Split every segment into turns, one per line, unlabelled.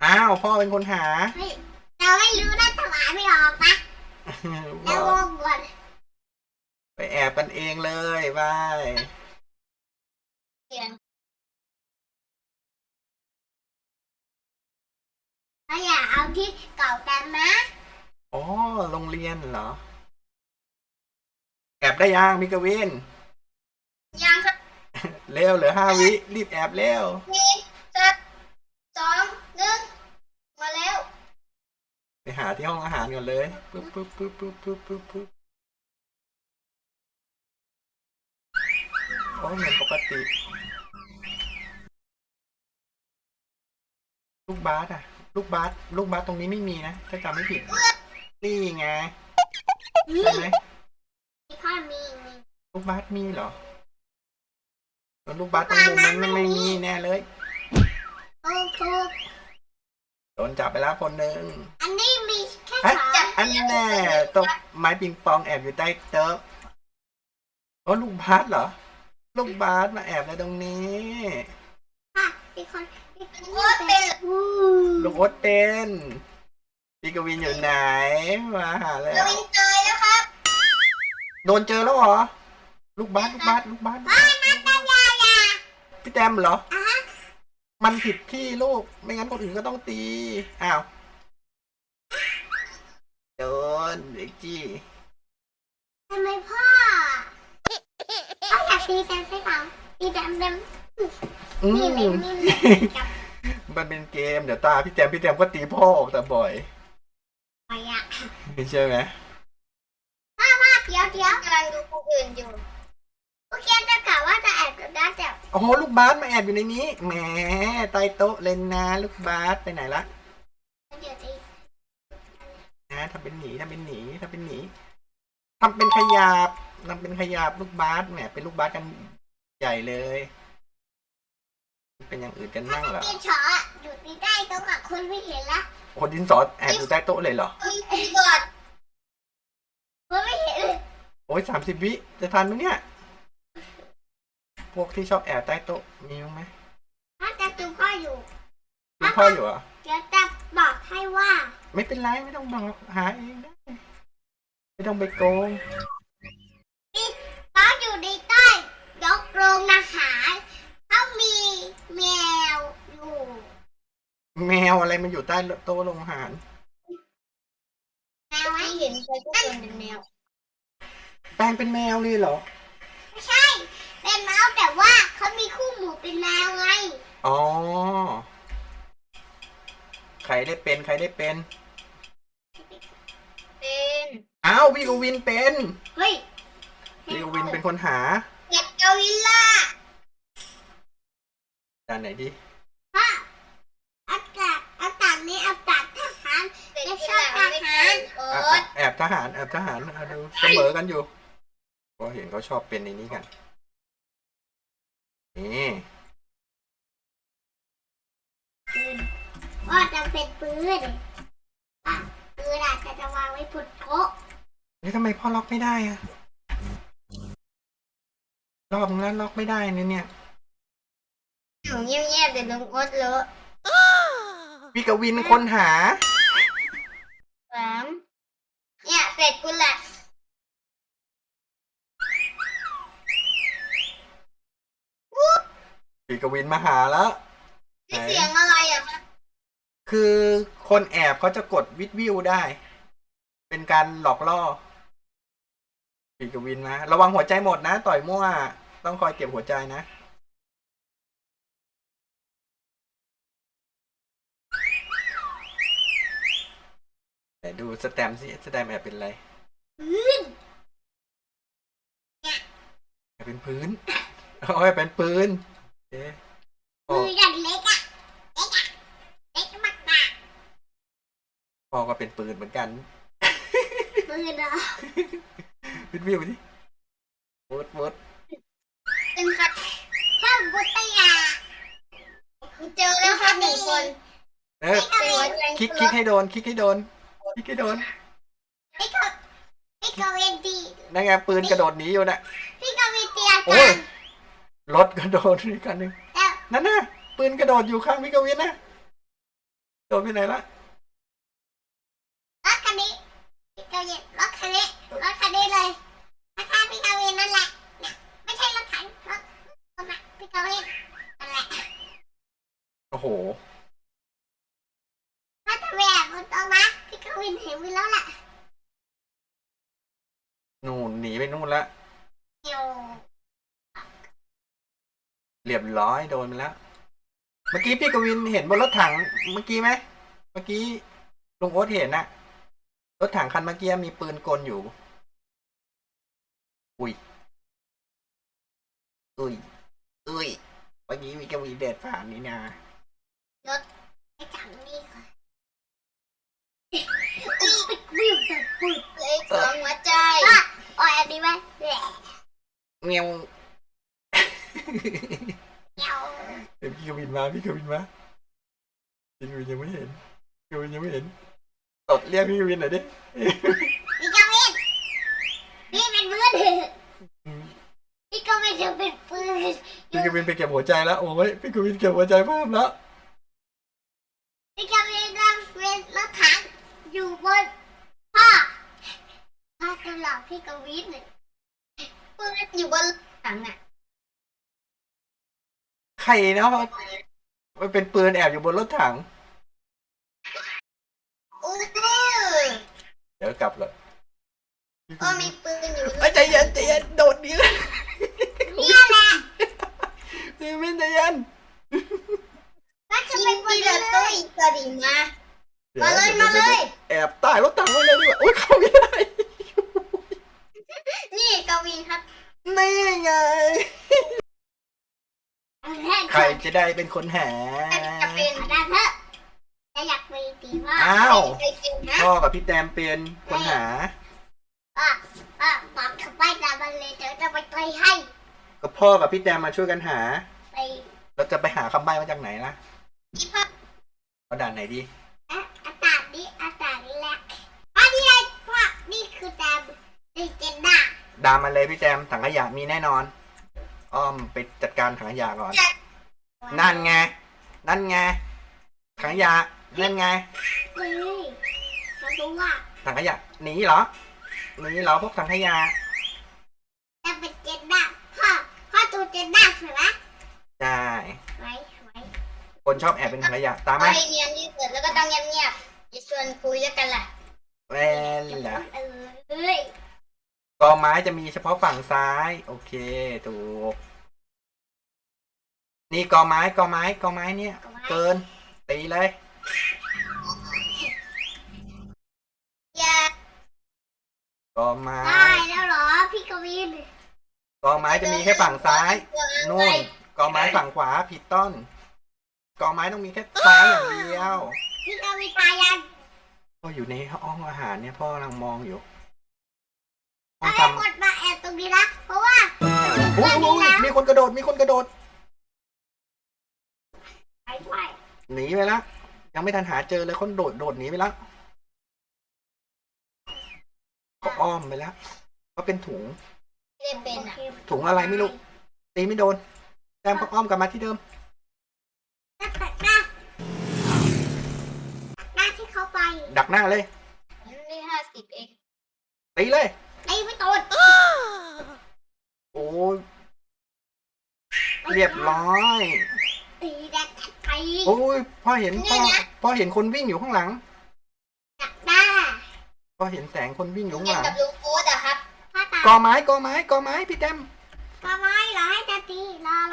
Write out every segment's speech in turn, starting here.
อ้าวพ่อเป็นคนหา
เฮ้ยเราไม่รู้นะถวายไม่ออกนะ
บ
เรา
อก
งงก่อน
ไปแอบกันเองเลยบาย
เสียงเราอย่าเอาที่เก่ากันนะ
อ๋อโรงเรียนเหรอ แอบได้ยังมิกวิน
ยังครับ
เร็วเหลือ5 วิรีบแอบเร็ว
4 3 2 1มาแล้ว
ไปหาที่ห้องอาหารก่อนเลยปึ๊บปึ๊บปึ๊บปึ๊บปึ๊บปึ๊บปึ๊บโอ้เหมือนปกติ ลูกบาสอะลูกบาสตรงนี้ไม่มีนะถ้าจำไม่ผิด นี่ไงใช่ไหม
พ่อมี
ลูกบาสมีเหรอแล้วลูกบาสตรงมุมนั้นไม่มีแน่เลย
ถูก
โดนจับไปแล้วคนหนึ่ง
อันนี้มีแค่
เอ๊ะ
สอง
อันแน่ตกไม้ปิงปองแอบอยู่ใต้โต๊ะโอ้ลูกบาสเหรอ ลูกบาสมาแอบในตรงนี้
ค่ะมีคนเป็น
ลูกโอ๊ตเป็นพี่กวินอยู่ไหนมาหาแล้ว
วินตายแล้วครับ
โดนเจอแล้วเหรอ ลูกบาสพี่แตมเหรอ มันผิดที่ลูกไม่งั้นคนอื่นก็ต้องตี อ้าวโดนเด็กจี้
ทำไมพ่ออยากตีแดมใช่เปล่าตีแดม
อื
นี่
ม
จับ
มันเป็นเกมเดี๋ยวตาพี่แตมก็ตีพ่อออกแต่บ่อย
ไปอ่ะ
ใช่ไหม
เดี๋ยวกำลังดูผู้อื่นอยู่ผู้เขียนจะกล่าวว่าจะแอบกับด้าแต่
โอ้โหลูกบาสมาแอบอยู่ในนี้แหมใต้โต๊ะเลยนะลูกบาสไปไหนละ
เดี๋ยวจะ
นะทำเป็นหนีทำเป็นขยับลูกบาสแหมเป็นลูกบาสกันใหญ่เลยเป็นอย่างอื่นกันนั่งเหรอ
ตีฉออยู่ตีใต้โต๊ะกับคนไม่เห็นละ
โอ้ดินสอแอบอยู่ใต้โต๊ะเลยเหรอ
ตีกอดคนไม่เห็น
โอ้ย30 วิจะทันไหมเนี่ยพวกที่ชอบแอบใต้โต๊ะมีมั้งไหม
ถ้าจะดูพ่ออยู่
มีพ่ออยู่เหรอ
เดี๋ยวจะบอกให้ว่า
ไม่เป็นไรไม่ต้องบอกหาเองได้ไม่ต้องไปโกง
เขาอยู่ในใต้ยกโรงอาหารเขามีแมวอยู่
แมวอะไรมันอยู่ใต้โต๊ะโรงอาหาร
แมวไม่เห็นใครทุกคนเป็นแมว
แปลงเป็นแมวเลยเหรอ
ไม่ใช่ เป็นแมวแต่ว่าเขามีคู่หมู่เป็นแมวไง
อ๋อใครได้เป็น
เป็น
อ้าวพี่กวินเป็น
เฮ้ย
พี่กวินเป็นคนหา
เห็ดกาวิลล่า
ด้านไหนดี
พ่ออากาศนี้อากาศทหารไม่ชอบทหาร
แอบทหารเอาดูเสมอกันอยู่ก็เห็นเขาชอบเป็นในนี้กันนี่
ว่าจะเป็นปืนปืนอาจจะวางไว้พุดโต๊ะ
ทำไมพ่อล็อกไม่ได้อะรอบนั้นล็อกไม่ได้เนี่ย
อยู่เงียบๆเดี๋ยวลุงโอ๊ตเลอะ
พี่กวินคนหา
3เนี่ยเสร็จคุณแหละ
พี่กวินมาหาแล้ว
นี่เสียงอะไรอ่ะ
คือคนแอบเขาจะกดวิวได้ เป็นการหลอกล่อพี่กวินมาระวังหัวใจหมดนะต่อยมั่วต้องคอยเก็บหัวใจนะแต่ดูสแตมป์สิสแตมป์แอบเป็นอะไร
พื้น
แอบเป็นพื้นโอ้ยเป็นปืนเอ๊ะ
มืออย่างเล็กอ่ะเล็กมาก
พ่อก็เป็นปืนเหมือนกัน
ปืนเหรอ
วิวสิวด
เป็นครับข้าวบุตยาเจอแล้วครับ1 คน
เออคลิกให้โดนพี่ก
วินดี
นั่นไงปืนกระโดดหนีอยู่น่ะ
พี่กวินเตีย
โอ้
กั
ย
น
รถกระโดดอีกคันหนึ่ง
แล้ว
นั่นน่ะปืนกระโดดอยู่ข้างพี่กวินนะโดนไปไหนละ
รถคันนี้พี่กวินรถคันนี้เลยนะคะพี่กวินนั่นแหละเนี่ยไม่ใช่รถถังรถนะพี่กวินนั่นแหละ
โอ้โห
ถ้าจะแหวกมันตรงนะพี่กวินเห็นวินแล้วแหละ
นู่นหนีไปนู่นละ
เดี๋ยว
เรียบร้อยโดนไปแล้ว เมื่อกี้พี่กวินเห็นบนรถถังเมื่อกี้ไหมเมื่อกี้ลุงโอ๊ตเห็นน่ะรถถังคันเมื่อกี้มีปืนกลอยู่ อุ้ยเมื่อกี้มีกวินเด็ดผ่านนี่นะ
รถไปจังนี่ก่อนวิวแต่ปุดเลยสองหัวใจอ่อยอันนี้ไหมแหละ
เงี้ยว
เดี๋ยว
เดี๋ยวพี่กวินมาพี่กวินยังไม่เห็นพี่กวินยังไม่เห็นตดเรียกพี่กวินหน่อยดิ
พี่กวินพี่เป็นมือถือพี่กวินจะเป็นปืน
พี่กวินไปเก็บหัวใจแล้วโอ้ยพี่กวินเก็บหัวใจเพิ่มแล้ว
พี่กวินจะเป็นรถถังอยู่บนพ่อจะหลอกพี่กวินปืนอยู่บนรถถังอ่ะ
ใครนะมันเป็นปืนแอบอยู่บนรถถัง
อู้
เดี๋ยวกลับเลย
ก็มีปืนอยู่
ใจเย็นโดดนี้เลย
เนี่ยแหละ
พี่กวินใจเย็น
ก็จะเป็นปืนตู้อีกตัวดีมา มาเลย
แอบใต้รถถังไว้เลยดีกว่าโอ๊ยเข้าไม่ได้
นี่กวินครับ
นี่ไง ใครจะได้เป็นคนหา
จะเป็นได้เถอะจะอยากไปตีว่า
อ้าว
ไปเป็นนะ
พ่อกับพี่แตมเป็นคนหา
บอกเขาไปตามมันเลยเดี๋ยวจะไปเตยให้
ก็พ่อกับพี่แตมมาช่วยกันหา
ไป
เราจะไปหาคำใบ้มาจากไหนล่ะ
ที่พ่อ
เอาด่านไหนดี
อากาศนี้แหละอันนี้ไงพ่อนี่คือแตมดีเจนด้า
ดามมาเลยพี่แตมถังขยะมีแน่นอน อ้อมไปจัดการถังขยะก่อน นั่นไงถังขยะนั่นไง
เฮ้ยมาดูว่า
ถังขยะหนีเหรอพวกถังขยะ
จะเป็นเจนด้าพ่อดูเจนด้าใช่ไหม
ใช่
ไว้
คนชอบแอบเป็นถังขยะตามไหม
เรียนที่สุดแล้วก็ต้องเงียบๆอย่าชวนคุยด้วยกันล่ะ
แว่นเหรอ
เอ้ย
กอไม้จะมีเฉพาะฝั่งซ้าย โอเคถูกนี่กอไม้เนี่ย เกินตีเลย
อย่าก
อไม้
ได้แล้วเหรอพี่กวิน
กอไม้จะมีแค่ฝั่งซ้ายนู่นกอไม้ฝั่งขวาผิดต้นกอไม้ต้องมีแค่ซ้ายอย่างเดียว
พี่กวินตายยัง
พ่ออยู่ในห้องอาหารเนี่ยพ่อกำลังมองอยู่ห้อ
ถ้าง ไม่
ทำ
กดมาแอบตรงนี้นะเพราะว่า
โอ้ยมีคนกระโดด
ไปด้วย
หนีไปแล้วยังไม่ทันหาเจอเลยคนโดดหนีไปแล้วก็อ้อมไปแล้วก็เป็นถุง
ไม่ได้เป็นอ่ะ
ถุงอะไรไม่รู้ตีไม่โดนแต้มก็อ้อมกลับมาที่เดิม
ตัดหน้าที่เขาไป
ดักหน้าเลย
ได้50 เอง
ตีเลย
ไอ้ไม่โดน
โอ้ยเรียบร้อย
ตีแดงไป
โอ้ยพ่อเห็นคนวิ่งอยู่ข้างหลัง
ตัดหน้า
พ่อเห็นแสงคนวิ่งอยู่ข้าง
เรีย
ห
น
ลัง
กับลุงโค้ดอะครับพ่อตาก
อไม้พี่แต้ม
ก็ไม่เหรอให้จะตีรอ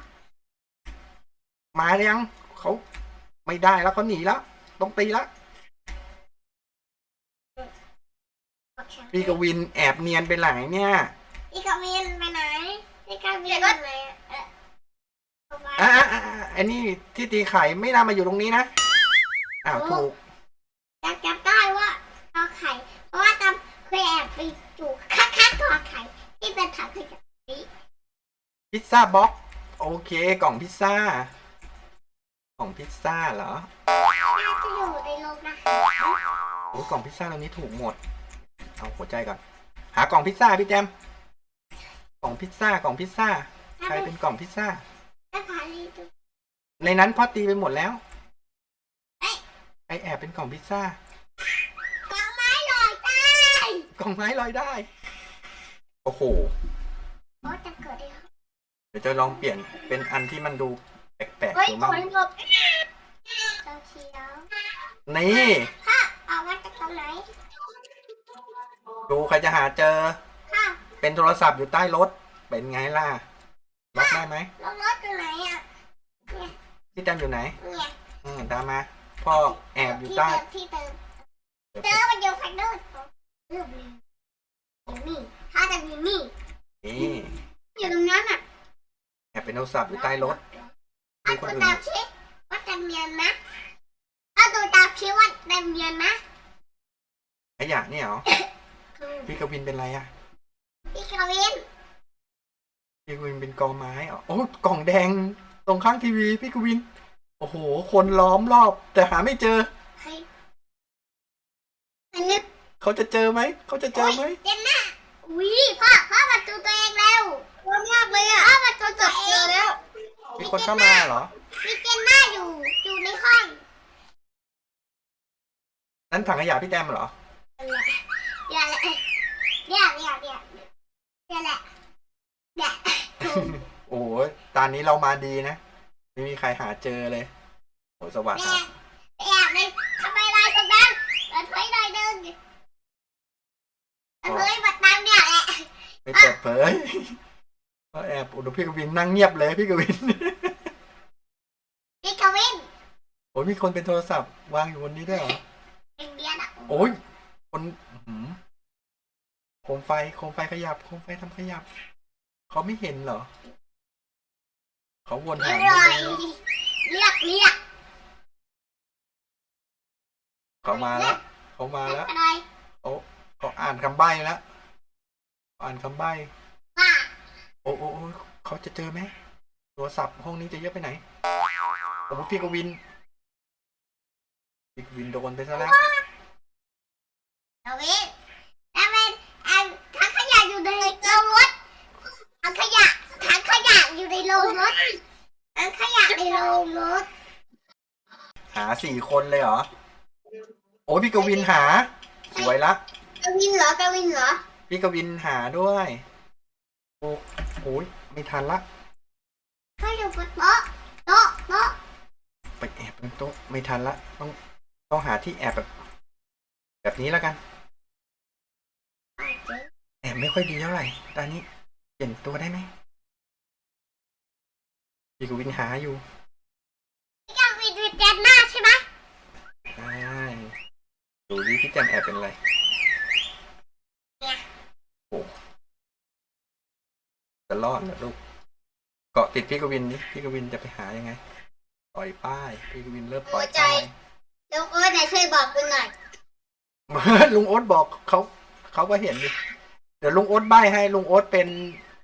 มาหรือยังเขาไม่ได้แล้วเขาหนีแล้วต้องตีแล้วพี่กวินแอบเนียนไปไหนเนี่ย
พี่กวินไปไหนพี่กวินไปไหน
อันนี้ที่ตีไข่ไม่น่ามาอยู่ตรงนี้นะอ้าวถูก
จำได้ว่าเอาไข่เพราะว่าจำเคยแอบไปอยู่ข้างๆกอไข่ที่เป็นถังขยะนี้
พิซซ่าบ็อกโอเคกล่องพิซซ่าเหรอ
น่าจะอยู่ในโรงนะ
โอ้กล่องพิซซ่าตรงนี้ถูกหมดเอาหัวใจก่อนหากล่องพิซซ่าพี่แจมกล่องพิซซ่าใครเป็นกล่องพิซซ่า
ถ้าพาลีดู
ในนั้นพ่อตีไปหมดแล้วแอบเป็นกล่องพิซซ่าก
ล่องไม้ลอยได้
กล่องไม้ลอยได้ โอ้โห
โอ้จะเกิดอะไร
เดี๋ยวจะลองเปลี่ยนเป็นอันที่มันดูแปลกๆ
เฮ้ย
ดู
โด
มั้ง
นหลบเจ้าเชียว
นี่
พ่อเอามาจากตรงไหน
ดูใครจะหาเจอ
พ่อ
เป็นโทรศัพท์อยู่ใต้รถ เป็นไงล่ะ ล็อกได้ไหม
รถอยู่ไหนอ่ะ
พี่แตมอยู่ไหน
เนี่ย
ตามมา พ่อแอบอยู่ใต้
ที่เติมเจอมันอยู่ไฟโดนเริ่มเลยอยู่นี่ถ้าจะอยู่นี่
นี่
อยู่ตรงนั้นอ่ะ
แอบเป็นโทรศัพท์อยู่ใต้รถ
เอา
ดูคน
ดู
อื่น
ตามชิว่าจะเนียนนะเอาดูตามชิว่าจะเนียนนะ
ขยะเนี่ยเหรอ พี่กวินเป็นไรอะ
พี่คาวิน
พี่กวินเป็นกองไม้เหรอโอ้กล่องแดงตรงข้างทีวีพี่กวิน โอ้โห คนล้อมรอบ แต่หาไม่เจอ
เฮ้ยอันนี้
เขาจะเจอไหม เขาจะเจอไหม
เจนน่าอุ้ยพ่อมาดูตัวเองแล้วกลัวมากเลยอ่ะพ่อมาดูตัวเองแล้ว
มีคนเข้ามาเหรอ
มีเจนน่าอยู่ในห้อง
นั้นถังขยะพี่แตมเหรอ
เดี๋ยวแหละเดี๋ยวแหละเดี๋ยว
โอ้โหตอนนี้เรามาดีนะ ไม่มีใครหาเจอเลย โอ้สวัสดี
แอบเลยทำไมลายตรงนั้นเปิดเผยหน่อยนึงเปิดเผยมาตามเนี่ยแหละ
ไม่เปิดเผยก็แอบดูพี่กวินนั่งเงียบเลยพี่กวิน
พี่กวิน
โอ้ยมีคนเป็นโทรศัพท์วางอยู่บนนี้ด้วยเหรอ
เป็นเดียนอ่ะ
โอ้ยคนโคมไฟขยับโคมไฟทำขยับ เขาไม่เห็นเหรอ เขาวน
อ
หา
ร่อย
อยู่
เรียก
เขามาแล้ว เขามาแล้ว
อะไร
เขาอ่านคำใบ้แล้วอ่านคำใบ้
ว่า
โอ้เขาจะเจอไหมโทรศัพท์ห้องนี้จะเยอะไปไหนโอ้พี่กวินโดนไปซะแล้ว
กวินแล้วเป็นถังขยะอยู่ในโรงรถถังขยะอยู่ในโรงรถถังขยะในโรงรถ
หา4 คนเลยเหรอ โอ้ยพี่กวินหา สวยละ
กวินเหรอ
พี่กวินหาด้วยโอ้ยไม่ทันละ
เขาอยู่บนโต๊ะ
ไปแอบบนโต๊ะไม่ทันละ ต้องหาที่แอบแบบนี้แล้วกัน แอบไม่ค่อยดีเท่าไหร่ตอนนี้เปลี่ยนตัวได้ไหมพี่กวินหาอยู่
พี่กวินเป็นแจนหน้าใช่ไหม
ใช่ดูดิพี่แจมแอบเป็นอะไรโอ้จะรอดเหรอลูกเกาะติดพี่กวินนี่พี่กวินจะไปหายังไงปล่อยป้ายพี่กวินเริ่มปล่อยป้าย
ลุงโอ๊ตไหนช่วยบอกคุณหน่อย
ลุงโอ๊ตบอกเขาก็เห็นดิเดี๋ยวลุงโอ๊ตใบ้ให้ลุงโอ๊ตเป็น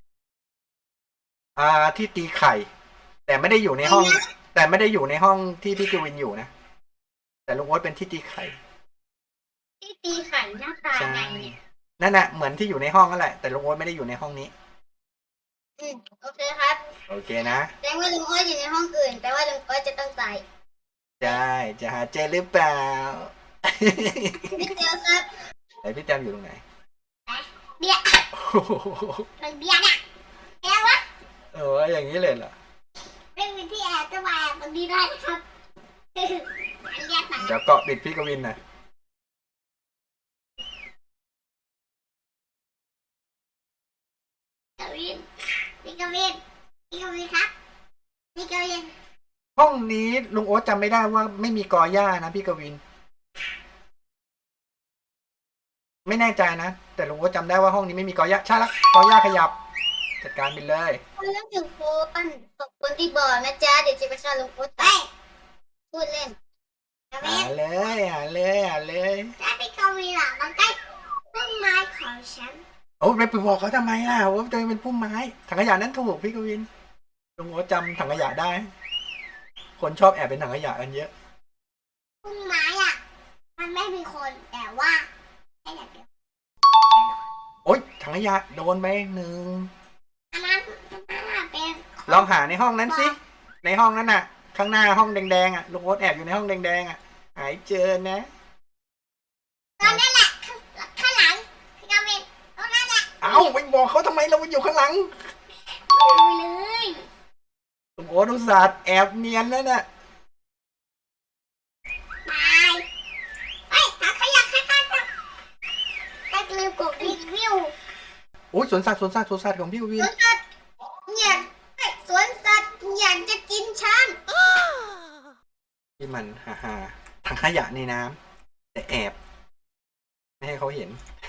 ที่ตีไข่ แต่ไม่ได้อยู่ในห้อง แต่ไม่ได้อยู่ในห้องที่พี่กวินอยู่นะแต่ลุงโอ๊ตเป็นที่ตีไข่
ที่ตีไข่หน้าตา
ใช่
ไงเนี่ย
นั่นแหละเหมือนที่อยู่ในห้องนั่นแหละแต่ลุงโอ๊ตไม่ได้อยู่ในห้องนี้
โอเคครับ
โอเคนะ
แสดงว่าลุงโอ๊ตอยู่ในห้องอื่นแปลว่าลุงโอ๊ตจะต้องตาย
ใช่จะหาเจอหรือเปล่า
ไม่เจอครับ
ไหนพี่แจมอยู่ตรงไหน
เบียร์
โอ้โห
มันเบียร์เนี่ยแอบวะ
เอออย่างนี้เลยเหรอ
ไม่มีที่แอบจะมาแอบตรงนี้ได้นะครับอันเรียกมา
เดี๋ยวเกาะติดพี่กวินหน่อย
กวินพี่กวินครับพี่กวิน
ห้องนี้ลุงโอ๊ตจำไม่ได้ว่าไม่มีกอหญ้านะพี่กวิน ไม่แน่ใจนะแต่ลุงโอ๊ตจำได้ว่าห้องนี้ไม่มีกอหญ้าใช่ละกอหญ้าขยับจัดการไปเลย
คนละหนึ่งคนขอบคุณที่บอกนะจ๊ะเดี๋ยวจะไปฆ่าลุงโอ๊ตตายพูดเล่นกวิ
หาน เลย
ถ้าพี่กวินอ่ะมันใกล้ต้นไม้ของฉัน
โอ้ไปบอกเขาทำไมล่ะว่าตัวเองเป็นพุ่มไม้ถังขยะนั้นถูกพี่กวินลุงโอ๊ตจำถังขยะได้ คนชอบแอบเป็นถังขยะกันเยอะ
ต้นไม้อ่ะมันไม่มีคนแต่ว่าแค่อย่างเดียว
โอ๊ยถังขยะโดนไป1
อันนั้นเป็น
ลองหาในห้องนั้นสิในห้องนั้นน่ะ ข้างหน้าห้องแดงๆอ่ะลุงโอ๊ตแอบอยู่ในห้องแดงๆอ่ะหายเจอนะ
ตอนนั้นแหละข้างหลังพี่กาวินตรงนั้นแหละ
เอ้าไปบอกเขาทำไมเราอยู่ข้างหลัง
ไม่รู้เลย
โอ้โหอุตส่าห์แอบเนียนแล้วน่ะ
ตายเฮ้ยถังขยะข้างๆกันแต่ลืมกดรีวิว
โอ้ยสวนสัตว์ของพี่วิ
ส
น
วนสัตว์อยากสวนสัตว์อยากจะกินฉัน
ที่มันฮ่าถังขยะในน้ำแต่แอบ ไม่ให้เขาเห็น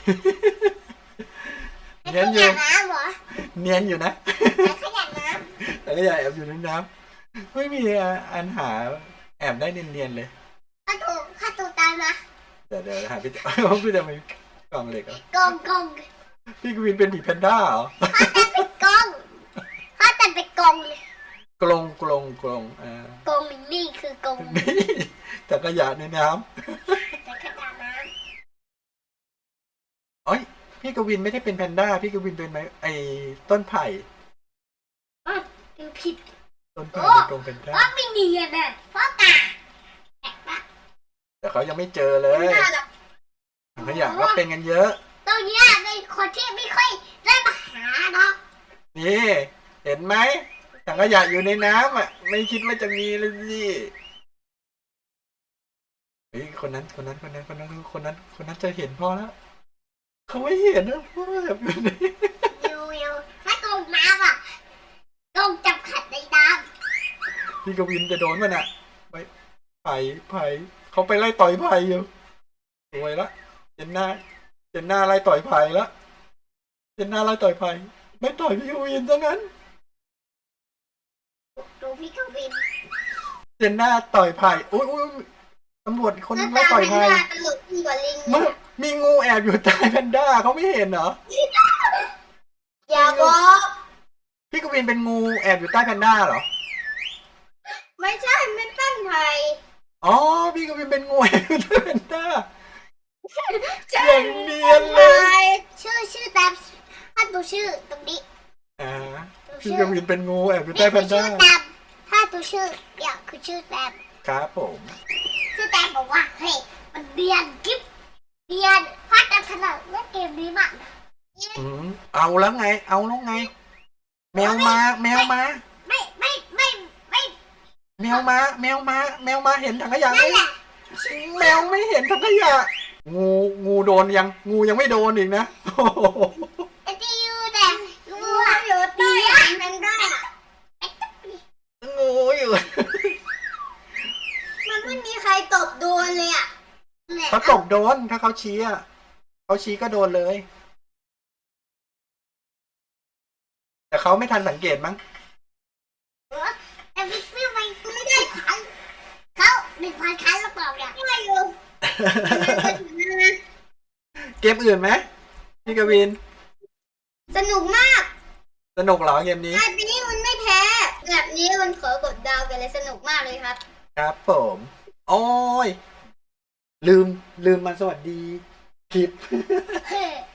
ถัง
เนียน
ข
อยู่
ยะน้ำเหรอ
เนียนอยู่นะ
ถังขยะน้
ถังขยะแอบอยู่ในน้ำไม่มีอันหาแอบได้เนียนๆเลย
ำข้าตูตามมา
เดี๋ยวหาพี่พี่จะมีกล่องเหล็กเหรอก
อง
พี่กวินเป็นผีแพนด้าเหรอ
กองข้าแต่เป็นกองเลย
กลง
กองนี่คือกอง
นี่ถังขยะในน้
ถังขยะน้
ำเอ้ยพี่กวินไม่ได้เป็นแพนด้าพี่กวินเป็นไอ้ต้นไผ่
ำดูผิด
ต้นไผ่เป็นกรงแพนด้า
ว่าไม่เนียนอ่ะพ่อกาแอบปะ
แต่เขายังไม่เจอเลย
ไม่น่าหรอก
ถังขยะก็เป็นกันเยอะ
ตรงเนี้ยเป็นคนที่ไม่ค่อยได้มาหาเนาะ
นี่เห็นไหมถังขยะอยู่ในน้ำอ่ะ ไม่คิดว่าจะมีเลยสิเฮ้ยคนนั้นจะเห็นพ่อแล้วเขาไม่เห็นนะพ่อแบบอยู่ใน
อยู่ถ้ากองน้ำอ่ะกองจับขัดในน้
พี่กวินจะโดนมันอ่ะไปไผ่เขาไปไล่ต่อยไผ่อยู่สวยละเจนหน้าไล่ต่อยไผ่ละเจนหน้าไล่ต่อยไผ่ไม่ต่อยพี่กวินซะงั้น
ำดูพี่กวิน
เจนหน้าต่อยไผ่อุ้ยตำรวจคนนึงไล่ต่อยไผ่
ตลกยิ่งกว่าลิง
เมื่อมีงูแอบอยู่ใต้แพนด้าเขาไม่เห็นเหรอ
อย่าบอก
พี่กวินเป็นงูแอบอยู่ใต้แพนด้าเหรอ
ไม่ใช่ไม่ตั้งไทย
อ๋อพี่กวินเป็นงูแอบอยู่ใต้แพนด้า
ใช่
อย่างเนียนเลย
ชื่อตามถ้าดูชื่อตรงนี้
อ่าพี่กวินเป็นงูแอบอยู่ใต้แพนด้า
ชื่อตามถ้าดูชื่อเนี่ยคือชื่อแตม
ครับผม
ชื่อแตมบอกว่าเฮ้ยมันเรียนกิ๊บเรียนพาดกันขนาดเล่นเกมนี้มากนะ
เอาแล้วไง แมวมา
ไม่
แมวมาเห็นถังขยะไหม
นั่นแหละ
แมวไม่เห็นถังขยะงูโดนยังงูยังไม่โดนอีกนะโอ้โห
ไอ้ที่อยู่แต่งูอะอยู่ใต้มันได้
งูอยู่
มันไม่มีใครตบโดนเลยอ่ะ
เขาตกโดนถ้าเขาชี้อ่ะเขาชี้ก็โดนเลย แต่เขาไม่ทันสังเกตมั้ง
แต่พี่ฟิวมันไม่ได้ขันเขา1,000 ครั้งแล้วเปล่าเนี่ยไม่อยู่
เกมอื่นไหมพี่กวิน
สนุกมาก
สนุกเหรอเกมนี้
แบบนี้มันไม่แพ้ แบบนี้มันขอกดดาวกันเลยสนุกมากเลยครับ
ครับผมโอ้ยลืมมาสวัสดีผิด
เฮ้